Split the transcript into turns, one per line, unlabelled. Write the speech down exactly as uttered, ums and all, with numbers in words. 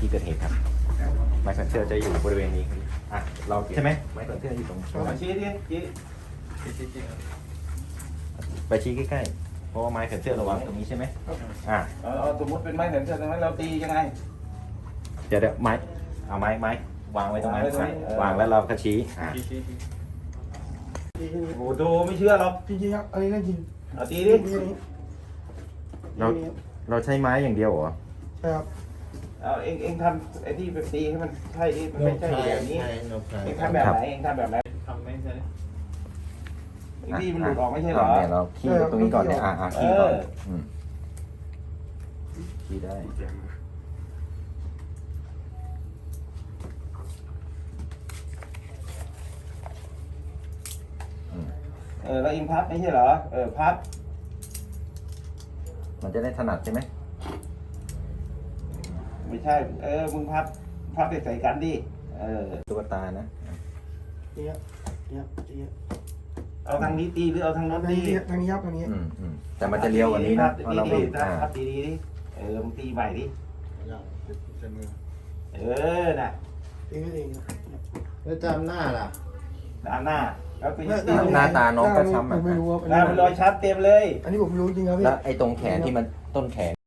ที่เกิดเหตุครับไม้แขวนเสื้อจะอยู่บริเวณนี้ครับอ่ะเราใช่ไหมไม้แขวนเสื้ออยู่ตรงนี้
มาชี้ดิชี้
ไปชี้ใกล้ๆเพราะว่าไม้แขวนเสื้อเราวางไว้ตรงนี้ใช่ไหมอ่ะ
เอาเอาสมมติเป็นไม้แขวนเสื้อตรงนั้นเราตียังไง
เดี๋ยวเดี๋ยวไม้เอาไม้ไม้วางไว้ตรงนั้น
วางไว้ตรงนี้เออ
วางแล้วเราก็ชี้อ่ะ
โอ้โหไม่เชื่อหรอก
จริงๆครับอันนี้น่ากิน
เอาตีดิ
เราเราใช้ไม้อย่างเดียวเหรอ
ใช่ครับ
เอาเองเองทำไอ้ที่แบบตีให้มันใช่ดิมันไม่ใช่แบบนี้เองทำแบบไหนเองทำแบบไหน
ทำไม่ใช่
ไอ้ที่มันหลุดออกไม่ใช่เหรอ
เนี่ยเราขี้ตรงนี้ก่อนเนี่ยอ่ะอ่ะขี้ก่อน
เออ
อืมขี้ได้
เออแล้วเองพับไม่ใช่เหรอเออพับ
มันจะได้ถนัดใช่ไหม
ไม่ใช่เออมึงพับพับใส่กันดิเออ
ตุ๊กตานะ
เนี่ยเนี่ยเนี่ย
เอาทางนี้ตีหรือเอาทางโน้น
ทาง
ตี
นี้ทางนี้ครับทางนี้
อืมอืมแต่มันจะเลี้ยวกว่านี้นะเพราะเราบีบอ่า
พับตีดีดิเออมึงตีใหม่ดิเออน่ะ
เองเองครับ
แล้วจำหน้าล่ะ
ด้านหน้าแล้วตีตี
หน้าตาน้องก็ช้ำ
ผ
อ่ะ
มไม่รู้ว่า
หน้ามันรอยชัดเต็มเลย
อันนี้ผมรู้จริงครับพี่
แล้วไอ้ตรงแขนที่มันต้นแขน